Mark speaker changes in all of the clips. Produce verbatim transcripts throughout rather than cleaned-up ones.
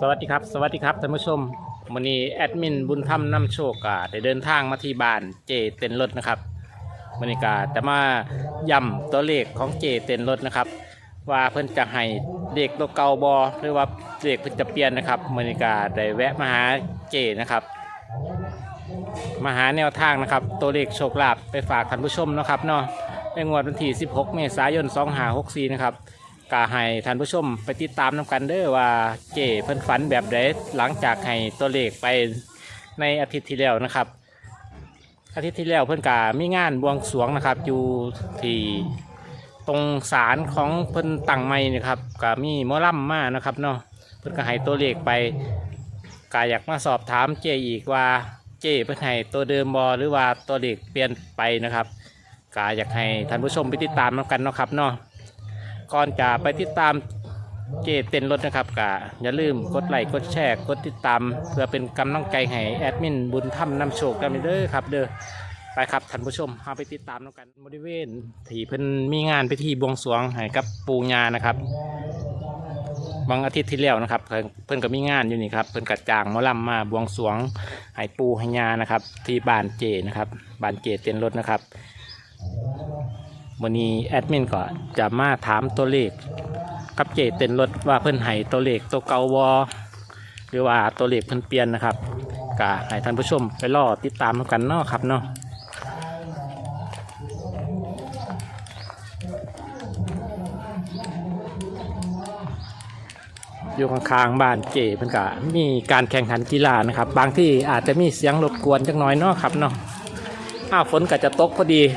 Speaker 1: สวัสดีครับสวัสดีครับท่านผู้ชมวันนี้แอดมินบุญธรรมนำโชคกาได้เดินทางมาที่บ้านเจเต็นรถนะครับวันนี้กาจะมาย้ำตัวเลขของเจเต็นรถนะครับว่าเพิ่นจะให้เลขตัวเก่าบอหรือว่าเลขเพิ่นจะเปลี่ยนนะครับวันนี้กาได้แวะมาหาเจนะครับมาหาแนวทางนะครับตัวเลขโชคลาภไปฝากท่านผู้ชมนะครับเนาะในงวดวันที่สิบหกเมษายนสองห้าหกสี่นะครับกาให้ท่านผู้ชมไปติดตามน้ำกันเด้อว่าเจเพิ่นฝันแบบใดหลังจากให้ตัวเลขไปในอาทิตย์ที่แล้วนะครับอาทิตย์ที่แล้วเพิ่นกามีงานบวงสรวงนะครับอยู่ที่ตรงศาลของเพิ่นตั้งใหม่นะครับกามีหมอลำมานะครับเนาะเพิ่นก็ให้ตัวเลขไปกาอยากมาสอบถามเจอีกว่าเจเพิ่นให้ตัวเดิมบอหรือว่าตัวเลขเปลี่ยนไปนะครับกาอยากให้ท่านผู้ชมไปติดตามน้ำกันเนาะครับเนาะก่อนจะไปติดตามเจเต็นรถนะครับก็อย่าลืมกดไลค์กดแชร์กดติดตามเพื่อเป็นกำลังใจให้แอดมินบุญธรรมนำโชคกันเด้อครับเด้อไปครับท่านผู้ชมเอาไปติดตามกันบริเวณที่เพิ่นมีงานพิธีบวงสรวงให้กับปู่ย่านะครับวันอาทิตย์ที่แล้วนะครับเพิ่นก็มีงานอยู่นี่ครับเพิ่นกระจางหมอลำมาบวงสรวงให้ปู่ให้ย่านะครับที่บ้านเจนะครับบ้านเจเต็นรถนะครับวันนี้แอดมินก็จะมาถามตัวเลขกับเจเต็นรถว่าเพิ่นให้ตัวเลขตัวเก่าวอหรือว่าตัวเลขเพิ่นเปลี่ยนนะครับก็ให้ท่านผู้ชมไปรอติดตามกันเนาะครับเนาะอยู่ข้างๆบ้านเจเพิ่นก็มีการแข่งขันกีฬานะครับบางที่อาจจะมีเสียงรบกวนจักหน่อยเนาะครับเนาะอ้าวฝนก็จะตกพอดี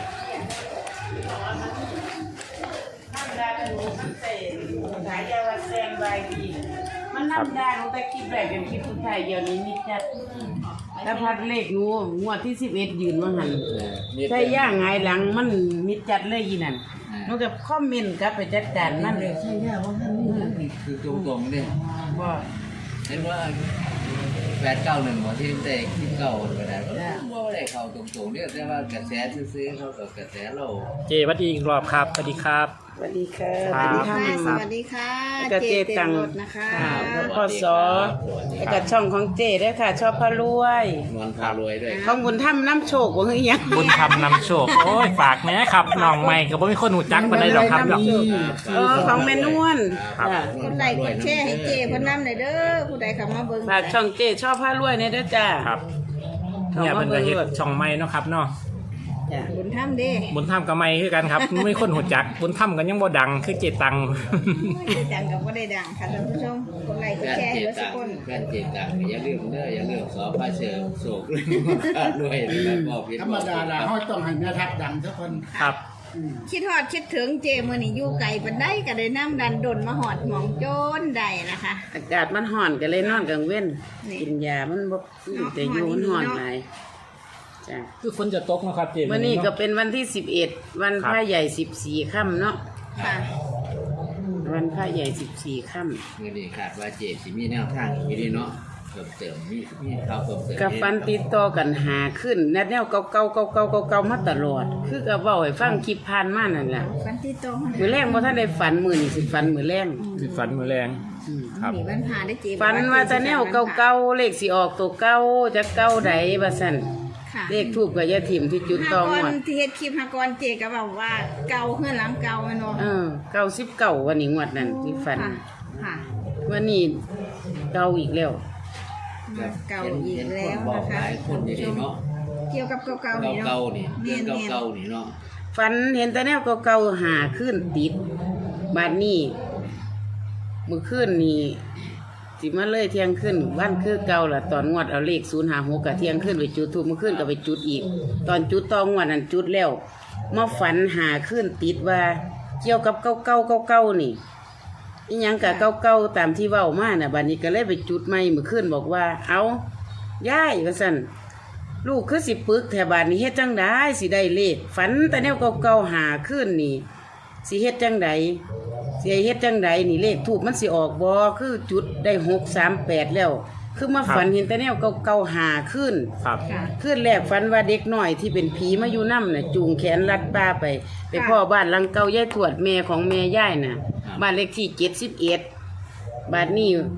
Speaker 2: มันน้ำได้ลงแต่คลิปแรกเป็นคลิปสุดท้ายเดี๋ยวนี้มิดจัดแล้วพัดเลขงูงวดที่สิบเอ็ดยืนว่าหันใช่ย่างไงหลังมันมิดจัดเลยยีนั่นนอกจากคอมเมนต์กับไปจัดการนั่นเลยใช่ย่าว่าท่านนี่
Speaker 3: คือตรงตรงๆเนี่ย
Speaker 2: ว่า
Speaker 3: เห็นว่าแปดเก้าหนึ่งหมดที่แต่ที่เก่าไปได้ก็ว่าได้เข้าตรงตรงๆเนี่ยแต่ว่ากระแสซื้อๆเขากับกระแสเรา
Speaker 1: เจสวัสดีอีกรอบครับสวัสดีครับ
Speaker 2: สวัสดีค่ะ
Speaker 1: ครับ
Speaker 4: ค่ะสวัสดีค่ะ
Speaker 2: แล้วก็เจตัง
Speaker 4: รถนะคะ
Speaker 2: แล้วก็ซอแล้วก็ช่องของเจด้วยค่ะ ชอบพระรวย
Speaker 3: นอนพารวยด้วย
Speaker 2: ของบุญถ้ำน้ำโชคว่าเฮ้ยยัง
Speaker 1: บุญธรรมนำโชคโอ้ยฝากแม่ครับน้องใหม่ก็บ่มีคนหูจักมาได้ดอกครับดอก
Speaker 2: เออของแม่นวล
Speaker 1: ครับ
Speaker 2: จ้ะ
Speaker 4: กดไลค์กดแชร์ให้เจเพิ่นนำหน่อยเด้อผู้ใดเข้ามาเบิ่ง
Speaker 2: ฝากช่องเจชอบพระรวยเนี่ยเด้อจ้า
Speaker 1: ครับเนี่ยเป็นกระเฮ็ดช่องใหม่เนาะครับเนาะ
Speaker 2: จ้ะ
Speaker 4: บุญธรรมเด้
Speaker 1: บุญธรรมกับใหม่คือกันครับไม่คนหูจักบุญธรรมกันยังบ่ดังคือเจตัง
Speaker 4: ไม่ได้ดังกับบ่ได้ดังค่ะท่านผู้ชมกดไลค์กด
Speaker 3: แฟน
Speaker 4: แชร์
Speaker 3: เจ
Speaker 4: ให้เด้อสั
Speaker 3: ตั
Speaker 4: ก
Speaker 3: ง
Speaker 4: คน
Speaker 3: แฟนเจตังอย่าลืมเด้ออย่าลืมสอบพระเสือโศกเรื่องพารวยนะครับบอกผิด
Speaker 5: ธรรมดาละเขาต้องให้แม่ทัพดังทุกคน
Speaker 1: ครับ
Speaker 4: คิดฮอดคิดถึงเจมื้อนี้อยู่ไกลปานใดก็ได้นำดันดนมาฮอดหมองโจนได้นะคะ
Speaker 2: อากาศมันห่อนก็เลยนอนกลางเว้น
Speaker 4: นี่
Speaker 2: กินยามันบ่แต่อยู่มันห่อนหลายจ้ะ
Speaker 1: คือฝนจะตกนะครับเจ
Speaker 2: วันนี้ก็เป็นวันที่สิบเอ็ดวันพระใหญ่สิบสี่ค่ำเนาะ
Speaker 4: ค่ะ
Speaker 2: วันพระใหญ่สิบสี่ค่
Speaker 3: เมื่อนี้ขาดว่าเจสิมีแนวทางอีกดีเนาะเพิ่มเติมมีมีข่าวเพิ่มเติม
Speaker 2: ำกับฟันติดต่อกันหาขึ้นแนวแนวเก่าเก่าเก่าเก่าเก่าเก่ามาตลอด คือกับว่าให้ฟังคลิปผ่านมานั่นแหละ
Speaker 4: ฝันที่ตรง
Speaker 2: มือแรงบ่ท่านได้ฝันมือนี่สิฝันมือแรง
Speaker 1: คือฝันมือแรงครับ
Speaker 4: นี่วันพาได้เจ
Speaker 2: ฝันว่าจะแนวเก่าเก่าเลขสิออกตัวเก่าจะเก่าใดบ่ซั่น
Speaker 4: ค่ะ
Speaker 2: เลขทูบกับยาถิ่มที่จุดต
Speaker 4: ห้า
Speaker 2: อง
Speaker 4: ก่
Speaker 2: หม
Speaker 4: อน
Speaker 2: ด
Speaker 4: ที่เฮ็ดคลิปห้าก่อนเจก็บอกว่าเก่าเฮือนหลังเก่าแม่นบ่
Speaker 2: เออเก้าสิบเก้าวันนี้งวดนั้นที่ฝัน
Speaker 4: ค่ะค่ะ
Speaker 2: วันนี้เก่าอีกแล้ว
Speaker 4: เก่าอีกแล้ว
Speaker 3: บอก
Speaker 4: นะ
Speaker 3: ห
Speaker 4: คะ
Speaker 3: ลายคนอยู่ดีเนาะ
Speaker 4: เกี่ยวกับเก่าๆนี่เนาะ
Speaker 3: เก่าๆนี่เรื่อง
Speaker 4: เนียน
Speaker 3: เก่าๆนี่เนาะ
Speaker 2: ฝันเห็นแต่แนวเก่าๆหาขึ้นติดบาดนี้มื้อคืนนี้สิมาเลยเที่ยงคืนวันคือเก่าล่ะตอนงวดเอาเลขศูนย์ห้าหกกับเที่ยงคืนไปจุดทูบมื้อคืนก็ไปจุดอีก ตอนจุดตองวดนั้นจุดแล้วมาฝันหาขึ้นติดว่า เกี่ยวกับเก่าๆเก่าๆนี่อีหยังกะเก่าๆตามที่เว้ามาน่ะบัดนี้ก็เลยไปจุดใหม่มื้อคืนบอกว่า เอายายว่าซั่น ลูกคือสิปึกแถวบ้านนี้เฮ็ดจังไดสิได้เลขฝันแต่แนวเก่าๆหาขึ้นนี่สิเฮ็ดจังไดสิเฮ็ดจังไดนี่เลขทูบมันสิออกบ่คือจุดได้หกสามแปดแล้ว คือมาฝันเห็นแต่แนวเก่าๆหาขึ้น
Speaker 1: ครับ
Speaker 4: ค่ะ
Speaker 2: ขึ้นแรกฝันว่าเด็กน้อยที่เป็นผีมาอยู่นำน่ะจูงแขนลัดป้าไป ไปพ่อบ้านหลังเก่ายายทวดแม่ของแม่ยายน่ะบ้านเลขที่เจ็ดสิบเอ็ดบ้านนี้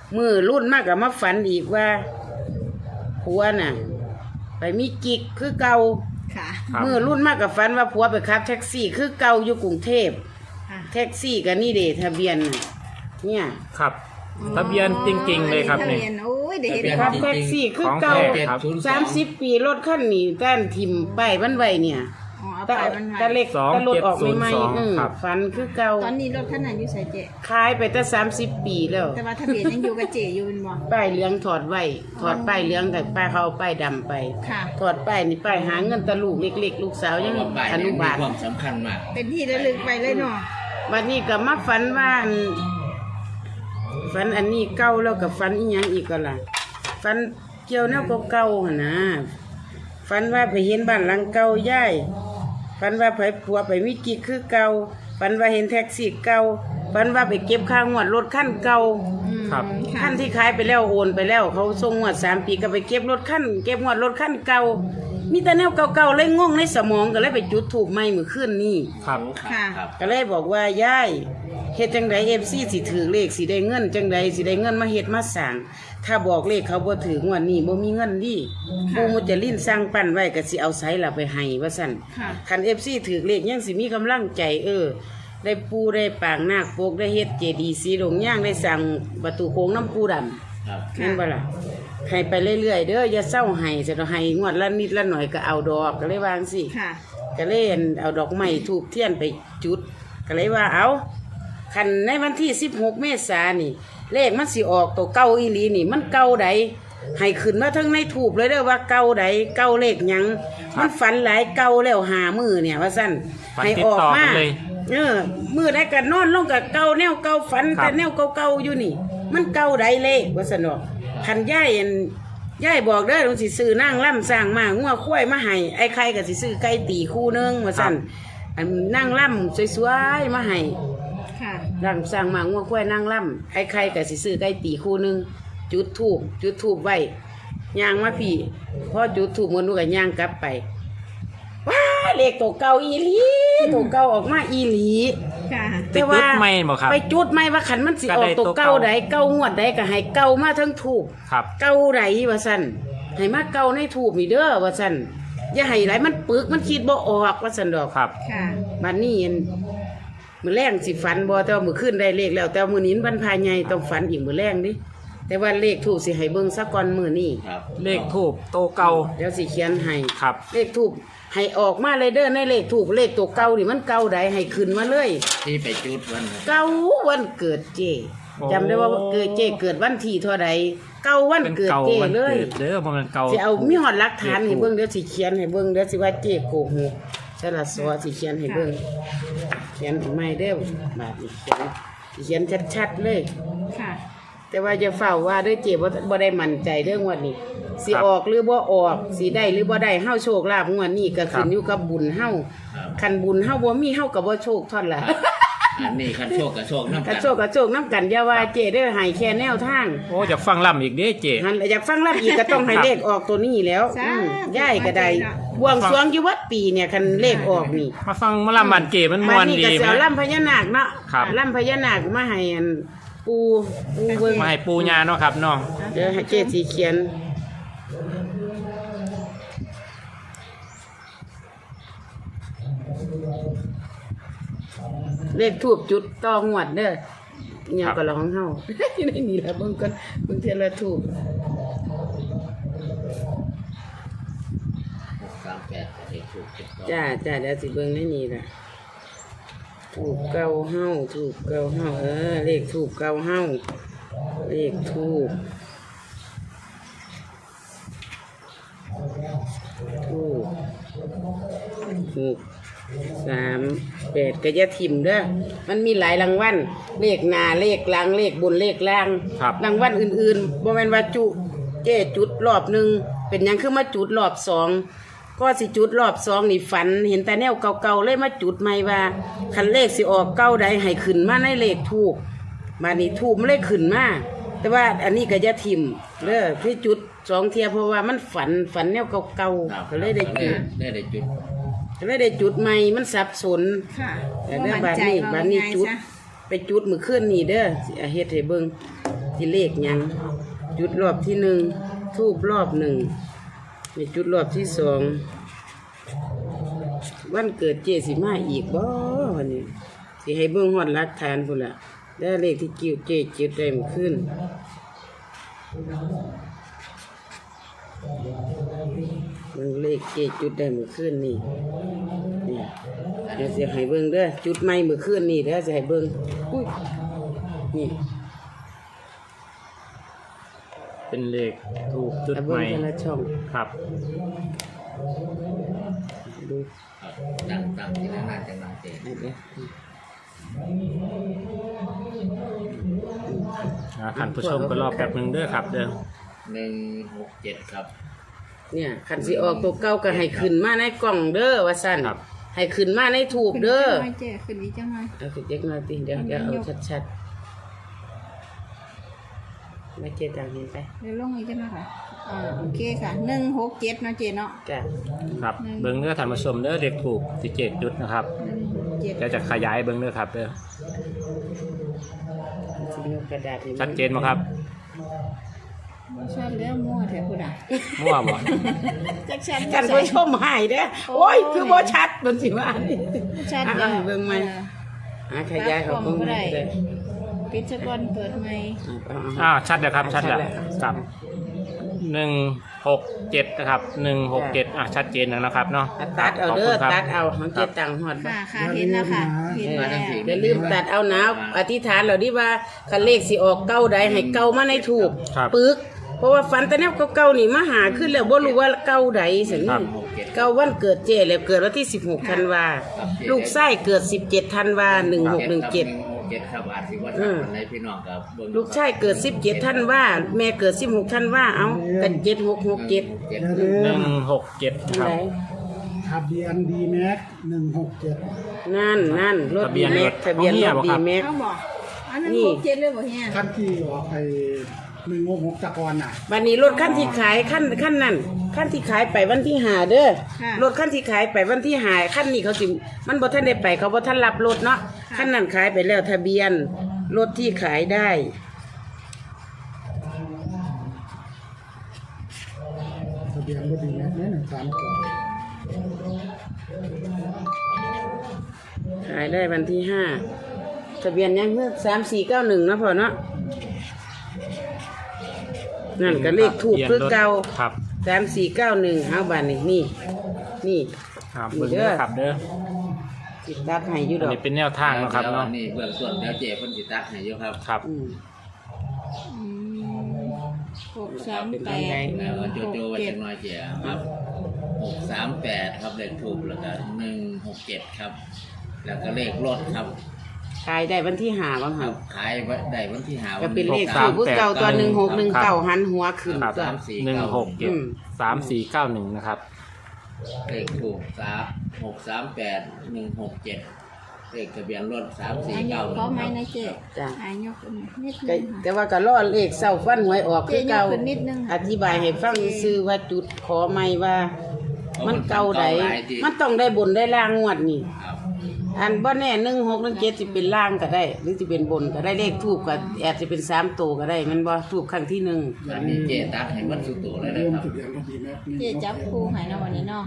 Speaker 2: มือรุ่นมากกับมาฝันอีกว่าผัวน่ะ ไปมีกิ๊กคือเก่า
Speaker 4: ค่ะ
Speaker 1: ครับ
Speaker 2: มือรุ่นมากกับฝันว่าผัวไปขับแท็กซี่คือเก่าอยู่กรุงเทพ
Speaker 4: ค่ะ
Speaker 2: แท็กซี่กับนี่เดทะเบียนน่ะเนี่ย
Speaker 1: ครับทะเบียนจริงๆเลยครับ
Speaker 4: ทะ
Speaker 1: นี่
Speaker 4: เบียนโอ้ยเดี๋ยวเห็น
Speaker 2: ขับ
Speaker 4: ของ
Speaker 2: แท็กซี่คือเก่า
Speaker 1: ของแท้ครับ
Speaker 2: สามสิบปีรถคันนี้ต้านทิมป้ายมันไว้เนี่ย
Speaker 4: อ๋อเอา
Speaker 2: ตะ
Speaker 4: ไปมัน
Speaker 2: ตะ
Speaker 4: ไว้
Speaker 2: เล็ก
Speaker 1: สอง
Speaker 2: ตะรถออก
Speaker 1: เจ็ดศูนย์
Speaker 2: ใหม่
Speaker 1: สอง
Speaker 2: ๆอืม
Speaker 1: ครับ
Speaker 2: ฝันคือเก่า
Speaker 4: ตอนนี้รถคันนั้นอยู่ใส่เจ
Speaker 2: ขายไปตั้งสามสิบปีแล้ว
Speaker 4: แต่ว่าทะเบียนยังอยู่กับเจอยู่เป็นบ่
Speaker 2: ป้ายเหลืองถอดไว้ถอดป้ายเหลืองกับป้ายเขาเอาป้ายดำไป
Speaker 4: ค่ะ
Speaker 2: ถอดป้ายนี่ป้ายหาเงินตะลูกเล็กๆ ลูกสาวยัง
Speaker 3: ว่าป้าย
Speaker 2: อ
Speaker 3: เนี่
Speaker 2: นุ
Speaker 3: ยมี
Speaker 2: บาล
Speaker 3: ความสำคัญมาก
Speaker 4: เป็นที่ระลึกไปเลยเนาะ
Speaker 2: วันนี้ก็มาฝันว่าอันฝันอันนี้เก่าแล้วกับฝันอีหยังอีกก็ล่ะฝันเกี่ยวแนวเก่าๆหั่นนะฝันว่าไปเห็นบ้านหลังเก่าย่ายฝันว่าไปผัวไปมีกิ๊กคือเก่าฝันว่าเห็นแท็กซี่เก่าฝันว่าไปเก็บค่างวดรถคันเก่า
Speaker 4: อืม
Speaker 1: ครับ
Speaker 4: ค่ะ
Speaker 2: ขั้นที่ขายไปแล้วโอนไปแล้ว เขาส่งงวดสามปีก็ไปเก็บรถขั้นเก็บงวดรถขั้นเก่ามีแต่แนวเก่าๆเลยงงในสมองก็เลยไปจุดถูกไม้มือขึ้นนี่
Speaker 1: ครับ
Speaker 4: ค่ะ
Speaker 3: ครับ
Speaker 2: ก็เลยบอกว่ายายเฮ็ดจังไดเอฟซีสิถือเลขสิได้เงินจังไดสิได้เงินมาเฮ็ดมาสร้างถ้าบอกเลขเขาบ่ถืองวดนี้บ่มีเงินดิปูมุจลินสร้างปั้นไว้ก็สิเอาไสล่ะไปให้ว่าซั่น
Speaker 4: ค่ะ
Speaker 2: คัน เอฟ ซี ถือเลขยังสิมีกำลังใจเออ ได้ปูได้ปางนาคปกได้เฮ็ดเจดีย์สีหลงย่างได้สั่งประตูโค้งน้ำปูดำ
Speaker 3: ครับ
Speaker 2: นั่นบ่ล่ะให้ไปเรื่อยๆเด้ออย่าเศร้าให้จะให้งวดละนิดละหน่อยก็เอาดอกก็เลยวาจั่งสิ
Speaker 4: ค่ะ
Speaker 2: ก็เลยเอาดอกไม้ทูบเทียนไปจุด ก็เลยว่าเอาคันในวันที่สิบหกเมษายนนี่ เลขมันสิออกตัวเก่าอีหลีนี่ มันเก่าใดให้ขึ้นมาทั้งในทูบเลยเด้อว่าเก่าใดเก่าเลขหยังมันฝันหลายเก่าแล้วหามือเนี่ยว่าซั่น
Speaker 1: ฝัน
Speaker 2: ให้
Speaker 1: ติด
Speaker 2: ออก
Speaker 1: ต่อ
Speaker 2: มา
Speaker 1: กันเลย
Speaker 2: เออมือได้กันนอนลงกับเก่าแนวเก่าฝัน
Speaker 1: ครับ
Speaker 2: แต่แนวเก่าๆอยู่นี่ มันเก่าใดเลขว่าซั่นเนาะคันย่ายอันย่ายบอกเด้อลงสิซื้อนางล่ำสร้างมางัวควายมาให้ไอ้ไข่ก็สิซื้อไก่ตีคู่นึงว่าซั่นอันนางล่ำสวยๆมาให้
Speaker 4: ค่ะ
Speaker 2: ร่างสร้างมางัวควายนางล่ำไอ้ไข่ก็สิซื้อไก่ตีคู่นึงจุดธูปจุดธูปไว้ย่างมาพี่พอจุดธูปมันก็ย่างกลับไปว้าเลขตัวเก่าอีหลีตัวเก่าออกมาอีหลี
Speaker 4: ค่ะ
Speaker 1: ไปจุดไม่บ่ครับ
Speaker 2: ไปจุดไม่ว่าขันมันสิออกตัวเก่าใดเก่างวดใดก็ให้เก่ามาทั้งถูก
Speaker 1: ครับ
Speaker 2: เก่าใดว่าซั่นให้มาเก่าในถูกนี่เด้อว่าซั่นอย่าให้ไหลมันปึกมันคิดบ่ออกว่าซั่นดอก
Speaker 1: ครับ
Speaker 4: ค่ะ
Speaker 2: บัดนี้เห็นมื้อแรงสิฝันบ่แต่ว่ามื้อคืนได้เลขแล้ว แต่ว่ามื้อนี้วันพายใหญ่ต้องฝันอีกมื้อแรงดิแต่ว่าเลขถูกสิให้เบิ่งซะก่อนมื้อนี้
Speaker 3: ครับ
Speaker 1: เลขทูบโตเก่า
Speaker 2: เดี๋ยวสิเขียนให้
Speaker 1: ครับ
Speaker 2: เลขถูกให้ออกมาเลยเด้อในเลขถูกเลขตัวเก่านี่มันเก่าใดให้ขึ้นมาเลย
Speaker 3: ที่ไปจุดวันนั้น
Speaker 2: เก้าวันเกิดเจ
Speaker 1: โอ้
Speaker 2: จำได้ว่าเกิดเจเกิดวันที่เท่าใดเก้าวัน
Speaker 1: เป็น
Speaker 2: เกิด
Speaker 1: เก่า
Speaker 2: เจ
Speaker 1: วัน
Speaker 2: เล
Speaker 1: เกิ
Speaker 2: ย
Speaker 1: ดเด้อบ่แมันเก่า
Speaker 2: สิเอามีหอดหลักฐาน
Speaker 1: เลข
Speaker 2: ให้
Speaker 1: ถูก
Speaker 2: เบิ่งเดี๋ยวสิเขียนให้เบิ่งเดี๋ยวสิว่าเจโกหกสละสอสิเขียนให้เบิ่งเขียนให้ใหม่เด้อบาดนี้เขียนสิเขียนชัดๆเลย
Speaker 4: ค่ะ
Speaker 2: แต่ว่าจะเฝ้าว่าเด้อเจบ่บ่ได้มั่นใจเรื่องงวดนี้สิออกหรือบ่ออกสิได้หรือบ่ได้เฮาโชคลาภงวดนี้ก็ขึ้นอยู่กับบุญเฮาคันบุญเฮาบ่มีเฮาก็บ่โชคเท่านั้นล่ะ
Speaker 3: อันนี้คันโชคกับโชคน้ำ
Speaker 2: ก
Speaker 3: กั
Speaker 2: ระ
Speaker 3: น
Speaker 2: โชกกระโชกน้ำกันอย่าว่าเจได้อให้แค่แนวทาง
Speaker 1: โอ้อยากฟังล่ำอีกเด้เจ
Speaker 2: หันอยากฟังรับอีกก็ต้องให้เลขออกตัวนี้แล้ว
Speaker 4: จ้า
Speaker 2: อืมย่ายก็ได้บวงสรวงอยู่วัดปีเนี่ยคันเลขออกนี่
Speaker 1: มาฟังมาล่ำบันเจมันมวน
Speaker 2: บัด
Speaker 1: ดี
Speaker 2: ก็
Speaker 1: ไห
Speaker 2: เสี
Speaker 1: ม
Speaker 2: ยวล่ำพญานาคเนาะ
Speaker 1: ครับ
Speaker 2: ล่ำพญานาคมาให้อันปูปูเบิ่ง
Speaker 1: มาให้ปูญาเนาะครับเนาะ
Speaker 2: เดี๋ยวให้เจสีเขียนเลขทูบจุดต่องวดเด้อเนี่ยก็ร้องเฮา อยู่ในนี่ละเบิ่งก่อนเบิ่งเทียละทูบ
Speaker 3: หกสามแปดเด็กถูกเจ็ดต่อ
Speaker 2: จ้าจ้าเดี๋ยวสิเบิ่งในนี่ล่ะถูกเก้าเฮาถูกเก้าเฮาเออเลขถูกเก้าเฮาเลขถูกถูกหกสามแปดก็จะถิ่มเด้อมันมีหลายรางวัลเลขหน้าเลขหลังเลขบนเลขล่าง
Speaker 1: ครับ
Speaker 2: รางวัลอื่นๆบ่แม่นว่าจุเจ้จุดรอบหนึ่งเป็นหยังคือมาจุดรอบสองก็สิจุดรอบสองนี่ฝันเห็นแต่แนวเก่าๆเลยมาจุดใหม่ว่าคันเลขสิออกเก้าใดให้ขึ้นมาในเลขถูกมานี่ถูกมันเลยขึ้นมาแต่ว่าอันนี้ก็จะถิ่มเด้อที่จุดสองเทียเพราะว่ามันฝันฝันแนวเก่า
Speaker 3: ครับ
Speaker 2: ๆก็เลยได้จุด
Speaker 3: ได้ได้จุด
Speaker 2: ก็เลยได้จุดใหม่มันสับสน
Speaker 4: ค่ะ
Speaker 2: แต่เด้อ
Speaker 4: บ่
Speaker 2: บาด
Speaker 4: มั่ใจ
Speaker 2: นี้
Speaker 4: ว่
Speaker 2: บาดนี้
Speaker 4: ไง
Speaker 2: จุด
Speaker 4: ซะ
Speaker 2: ไปจุดมื้อคืนนี้เด้อสิเอาเฮ็ดให้เบิ่งที่เลขหยังจุดรอบที่หนึ่งทูบรอบหนึ่งมีจุดรอบที่สองวันเกิดเจสิมาอีกบ่วันนี้สิให้เบิ่งฮอดหลักฐานพุ่นล่ะได้เลขที่กิ้วเจจุดได้มื้อคืนเบิ่งเลขเจจุดได้มื้อคืนนี่นี่เดี๋ยวสิให้เบิ่งเด้อจุดใหม่มื้อคืนนี่เด้อสิให้เบิ่งอุ้ยนี่
Speaker 1: เป็นเลขถูกจุด
Speaker 2: เอา
Speaker 1: ให
Speaker 2: เบิ่ง
Speaker 1: ม่
Speaker 2: แต่ละช่อง
Speaker 1: ครับ
Speaker 2: ดู
Speaker 3: ครับตั้งตั้งที่นั่นน่าจะมาเจ
Speaker 2: ให้เด้อ
Speaker 1: อ่าท่านผู้ชมก็รอแป๊บหนึงเด้อครับเด้อ
Speaker 3: หนึ่งหกเจ็ดครับ
Speaker 2: เนี่ยคันสิออกตัวเก่าก็ให้ขึ้นมาในกล่องเด้อว่าซั่น
Speaker 1: ครับ
Speaker 2: ให้ขึ้นมาในถูกเด้อ
Speaker 4: ขึ้นอีกจังหน่อยเจ๊ขึ้นอีกจังหน่อย
Speaker 2: เอาขึ้นเด็กหน่อยติเดี๋ยวเดี๋ยวเอาชัดๆไม่เจตังเห็นไป
Speaker 4: เดี๋ยวลงอีกจังหน่อยค่ะอ่าโอเคค่ะหนึ่งหกเจ็ดเนาะเจ๊เนาะ
Speaker 2: จ้ะ
Speaker 1: ครับเบิ่งเด้อท่านผู้ชมเด้อเลขถูกสิเจ็ดจุดนะครับ
Speaker 4: หนึ่งหกเจ็ด
Speaker 1: เดี๋ยวจะขยายเบิ่งเด้อครับเด้อ
Speaker 2: สิยกกระดาษให้
Speaker 1: ชัดเจนบ่ครับ
Speaker 4: บ่ชัดแล้วมั่วแท้พุ่นน่ะ
Speaker 1: มั่วบ่
Speaker 4: จักชัด
Speaker 2: กันผู้ชมหายเด้อโอ้ยคือบ่ชัดมันสิว่านี่
Speaker 4: ชัด
Speaker 2: อ่ะ
Speaker 4: เด้อ
Speaker 2: เอาเบิ่งใหม่อ่ะขยายเขาเบิ่งใหม่ก็ได้
Speaker 4: ปิดซะก่อนเปิดใหม่
Speaker 2: เอาเอา
Speaker 1: อ่าชัดแล้วครับชัดแล้ว
Speaker 2: ชัดแล้ว
Speaker 1: ครับหนึ่งหกเจ็ดนะครับหนึ่งหกเจ็ดอ่ะชัดเจนแล้วนะครับเนาะ
Speaker 2: อ่ะตัดเอาเด้อ
Speaker 1: ขบคุณครับ
Speaker 2: ตัดเอาของเจตังฮอดบ่
Speaker 4: ค่ะค่ะเห็นแล้วค่ะเห็นแล้ว
Speaker 2: อย่าลืมตัดเอานะอธิษฐานเราดิว่าคันเลขสิออกเก้าใดให้เก้ามาในถูก
Speaker 1: ครับ
Speaker 2: ปึกเพราะว่าฝันแต่แนวเก่าๆนี่มาหาขึ้นแล้วบ่รู้ว่าเก้าใดสินี่เก้าวันเกิดเจแล้วเกิดวันที่สิบหกธันวาลูกไส้เกิดสิบเจ็ดธันวาหนึ่งหกหนึ่งเจ็ด
Speaker 3: เจ็ดครับอาจสิว่า
Speaker 2: อื
Speaker 3: ทาง
Speaker 2: ม
Speaker 3: คนไหนพี่น้องกับเบิ่ง
Speaker 2: ลูกชายเกิดสิบเจ็ดธันวาแม่เกิดสิบหกธันวาเอากันเจ็ดหกหกเจ็ด
Speaker 3: เจ็ด
Speaker 1: หนึ่งหกเจ็ดครับ
Speaker 5: ทะเบียนดีแม็กหนึ่งหกเจ็ด
Speaker 2: นั่นนั่นรถ
Speaker 1: ทะเบี
Speaker 2: ดี
Speaker 1: ยน
Speaker 2: แม็ก
Speaker 1: รถ
Speaker 2: ทะเบียน
Speaker 1: ของเฮี
Speaker 2: ร
Speaker 1: ย
Speaker 2: ถ
Speaker 1: บ่
Speaker 2: ดี
Speaker 1: ครับ
Speaker 2: แม็ก
Speaker 4: เอาบ่อันนั้น
Speaker 2: นี่
Speaker 4: หกเจ็ดเลยบ่เฮีย
Speaker 5: ขั้นที่ออกไปหนึ่งหกหกตะกอนน่ะ
Speaker 2: วันนี้รถขั้นที่ขายขั้นขั้นนั่นขั้นที่ขายไปวันที่หาเด้อรถขั้นที่ขายไปวันที่หาขั้นนี้เขาสิมันบ่ทันได้ไปเขาบ่ทันรับรถเนาะขั้นนั้นขายไปแล้วทะเบียนรถที่ขายได้
Speaker 5: ทะเบียนก็ดีแม็กเนี่ยหนึ่งสามเจ็ด
Speaker 2: ขายได้วันที่ห้าทะเบียนยังเมื่อสามสี่เก้าหนึ่งนะพ่อเนาะนั่นก็เลขถูกคือเก่า
Speaker 1: ครับ
Speaker 2: สามสี่เก้าหนึ่งเอาบานนี่นี่นี่
Speaker 1: ครับเบิ่งเด้อครับเด้อ
Speaker 2: ติดตัดให้อยู่ด
Speaker 1: อัน
Speaker 2: อก
Speaker 1: นี้เป็นแนวทางเนาะครับ
Speaker 3: ดี๋ยว
Speaker 1: เนาะ
Speaker 3: นี่เบื้องต้นเดี๋ยวเจ๊เพิ่นสิตักให้อยู่ครับ
Speaker 1: ครับ
Speaker 2: อืม
Speaker 4: อืมหกสามแปด
Speaker 3: แล้วก็โจ
Speaker 4: หก
Speaker 3: โจไว้
Speaker 4: เจ็
Speaker 3: จั
Speaker 4: ด
Speaker 3: งน้อยเจ๊ครับหกสามแปดครับเลขถูกแล้วก็หนึ่งหกเจ็ดครับ แล้วก็เลขรถครับ
Speaker 2: ขายได้วันที่หาบ้าง
Speaker 3: ค
Speaker 2: ค
Speaker 3: รั
Speaker 2: รั
Speaker 3: บบ ขายไว้ได้วันที่หา
Speaker 2: ก็เป็นเลข
Speaker 1: หกสา
Speaker 2: ถู
Speaker 1: ม
Speaker 2: กคือเก่าตัวหนึ่งหกหนึ่งเก่าหันหัวขึ้น
Speaker 1: ครับ
Speaker 2: ตัว
Speaker 1: หนึ่งหกเจ็ด
Speaker 2: อืม
Speaker 1: สามสี่เก้าหนึ่งนะครับ
Speaker 3: เลขถูกสามหกสามแปดหนึ่งหกเจ็ดเลขทะเบียนรถสามสี่
Speaker 4: อายุ
Speaker 3: เก้า
Speaker 4: ขอไหมนะเจ๊
Speaker 2: จ้ะ
Speaker 4: อายุนิด
Speaker 2: ก็
Speaker 4: นึงค่ะ
Speaker 2: แต่ว่าก็รอเลขเศร้าฟันหวยออกคือเก่า
Speaker 4: เจ๊ยกขึ้นนิดนึง
Speaker 2: อธิบายให้ฟังซื้อว่าจุดขอไม่ว่า มันเก่าใดมันต้องได้บนได้ล่างงวดนี่
Speaker 3: ครับ
Speaker 2: อันบ่แน่หนึ่งหกหนึ่งเจ็ดสิเป็นล่างก็ได้ หรือจะเป็นบนก็ได้เลขทูบก็อาจจะเป็นสามตัวก็ได้มันบ่ทูบครั้งที่หนึ่ง
Speaker 3: อันนี้เจ๊ตักให้มันสุดโตเลยนะ
Speaker 5: เริ่ม
Speaker 3: ครับ
Speaker 5: ทะเบียนก็ดีแม็กหนึ่ง
Speaker 4: เจ๊จับคู่ให้เนาะวันนี้เนาะ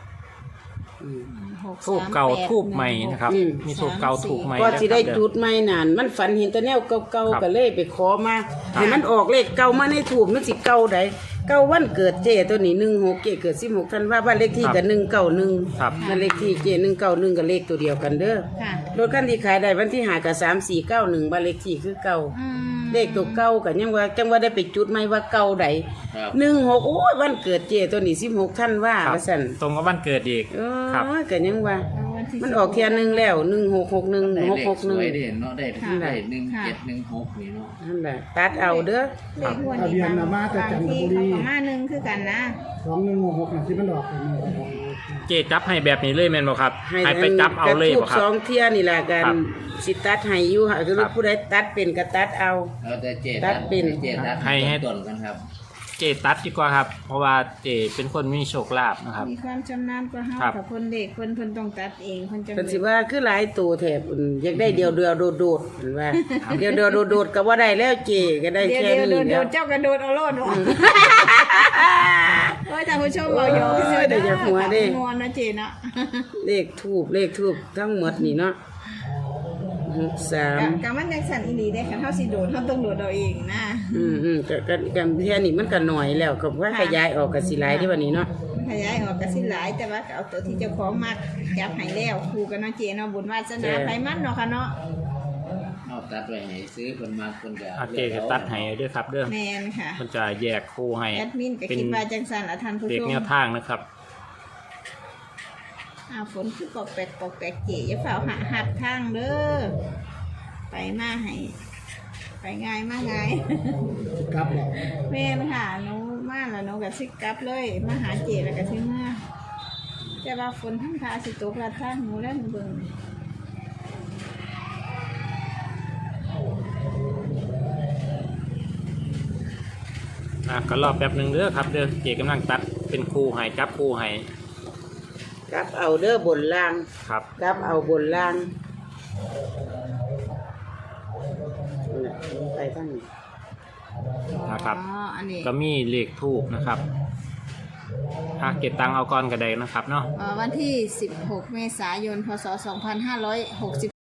Speaker 4: หก
Speaker 1: ทูบ
Speaker 4: สาม
Speaker 1: เก่า
Speaker 4: แปด
Speaker 1: ทูบใหม่นะครับ
Speaker 2: อืม
Speaker 1: มีทูบเก่าทูบใหม่
Speaker 2: ก็สิได้
Speaker 1: นะครับ
Speaker 2: จุดใหม่นานมันฝันเห็นแต่แนวเก่า
Speaker 1: ครับ
Speaker 2: ๆก็เลยไปขอมาให้มันออกเลขเก่ามาในทูบมันสิเก่าใดเก่าวันเกิดเจตัวนี้หนึ่งหกเจเกิดสิบหกธันวาบ้านเลขที่ก็หนึ่งเก้าหนึ่ง
Speaker 1: ครับ
Speaker 2: บ้านเลขที่เจหนึ่งเก้าหนึ่งกับเลขตัวเดียวกันเด้อ
Speaker 4: ค่ะ
Speaker 2: รถคันที่ขายได้วันที่หากับสามสี่เก้าหนึ่งบ้านเลขที่คือเก่า
Speaker 4: อืม
Speaker 2: เลขตัวเก่ากันยังว่าจังว่าได้ไปจุดไหมว่าเก่าใด
Speaker 3: ครับ
Speaker 2: หนึ่งหกโอ้ยวันเกิดเจตัวนี้สิบหกธันวา
Speaker 1: ครับ
Speaker 2: ว่าสั่น
Speaker 1: ตรงกับวันเกิดอีก
Speaker 2: เอ
Speaker 1: ครับ
Speaker 2: อกันยังว่า
Speaker 4: เอาวันที่
Speaker 2: มันออกเทียนหนึ่งแล้วหนึ่งหกหกหนึ่ง
Speaker 3: ได้
Speaker 2: หก
Speaker 3: เล
Speaker 2: ห
Speaker 3: ข
Speaker 2: ก
Speaker 3: ส
Speaker 2: หนึ่ง
Speaker 3: วยดิเนาะได้
Speaker 4: ค่ะ
Speaker 3: ได้หนึ่งเจ็ดหนึ่งหกนี่เนาะ
Speaker 2: นั่นแหละตัดเอาเด้อ
Speaker 4: เลขงวดนี้บางบางที่เขาประมาณหนึงคือกันนะ
Speaker 5: สองหนึ่งหกหกน่ะที่มันดอกเป็นหนึ่งหกหก
Speaker 1: เจจับให้แบบนี้เลยแม่นบ่ครับให้ไปจับเอาเลย
Speaker 2: ทู
Speaker 1: บ่
Speaker 2: บ
Speaker 1: ครั
Speaker 2: ส
Speaker 1: บ
Speaker 2: องเทียนี่แหละกัน
Speaker 1: ครับ
Speaker 2: สิตัดให้อยู่ค่ะคือ
Speaker 1: ครับ
Speaker 2: ผู้ใดตัดเป็นก็ตัดเอา
Speaker 3: แล้วแต่เจ๊
Speaker 2: ตัดเป็น
Speaker 3: เจ๊ตัก
Speaker 1: ให้ให้
Speaker 3: ต้นกันครับ
Speaker 1: เจตัดดีกว่าครับ เพราะว่าเจเป็นคนมีโชคลาภนะครับ
Speaker 4: มีความชำนาญกว่าเฮา
Speaker 1: ครับ
Speaker 4: กับคนเด็กคนเพิ่นต้องตัดเองเพิ่นจะ
Speaker 2: เพิ่นสิว่าคือหลายตัวแถบอืมอยากได้เดียวเดียวโดดโดดเห็นว่าเดียวเดียวโดดโดดก็บ่ได้แล้วเจก็ได้
Speaker 4: เดี๋ยว
Speaker 2: แค่
Speaker 4: เดี๋ยว
Speaker 2: นี้
Speaker 4: โดดโด
Speaker 2: แล้ว
Speaker 4: ดเจ้ากระโดดเอาโลดวะโอ้ยท่านผู้ชมเอาอยู่
Speaker 2: โอ้ยเดี๋ยวจะหัวเด้
Speaker 4: งอนนะเจนะ
Speaker 2: เลขทูบเลขทูบทั้งหมดนี่เนาะหกสาม
Speaker 4: กะกะมันจังสั่นอีหลีได้คันเฮาสิโดดเฮาต้องโดดเอาเองนะ
Speaker 2: อืมอืมก็ก็กันแค่นี้มันก็หน่อยแล้วก็ว่าขยายออกก็สิหลายที่บัดนี้เนาะ
Speaker 4: ขยายออกก็สิหลายแต่ว่าก็เอาตัวที่เจ้าของมักจับให้แล้วคู่กันเนาะเจเนาะบุญวาสนาไผมันเนาะค่ะเนาะ
Speaker 3: เอาตัดไว้ให้ซื้อคนมาคนก็
Speaker 1: อาเจจะตัดให้ด้วยครับเด้อ
Speaker 4: แม่นค่ะ
Speaker 1: มันจะแยกคู่ให้
Speaker 4: แอดมินก็
Speaker 1: เป็น
Speaker 4: คิดว่าจังสั่นละท่านผู้
Speaker 1: เด็ก
Speaker 4: ชม
Speaker 1: แนวทางนะครับ
Speaker 4: อ้าวฝนคือปอกแปกปอกแปกเจอย่าเฝ้าหาหัดทางเด้อไปมาให้ไปง่ายมาง่าย
Speaker 5: กลับแล้ว
Speaker 4: แม่นค่ะหนูมาแล้วหนูก็สิกลับเลยมาหาเจแล้วก็สิมาแต่ว่าฝนทั้งทาสิตกละทางหนูแล้วเบิ่ง
Speaker 1: อ่ะก็รอแป๊บหนึ่งเด้อครับเด้อเจกำลังตัดเป็นคู่ให้จับคู่ให้
Speaker 2: กลับเอาเด้อบนล่าง
Speaker 1: ครับ
Speaker 2: กลับเอาบนล่างนั่นแหละไปทางนี้
Speaker 1: นะครับ
Speaker 4: อ๋ออันนี้
Speaker 1: ก็มีเลขทูบนะครับอ่ะเก็บตังค์เอาก่อนก็ได้นะครับเนาะ
Speaker 4: เอ่อวันที่สิบหกเมษายนพศสองพันห้าร้อยหกสิบ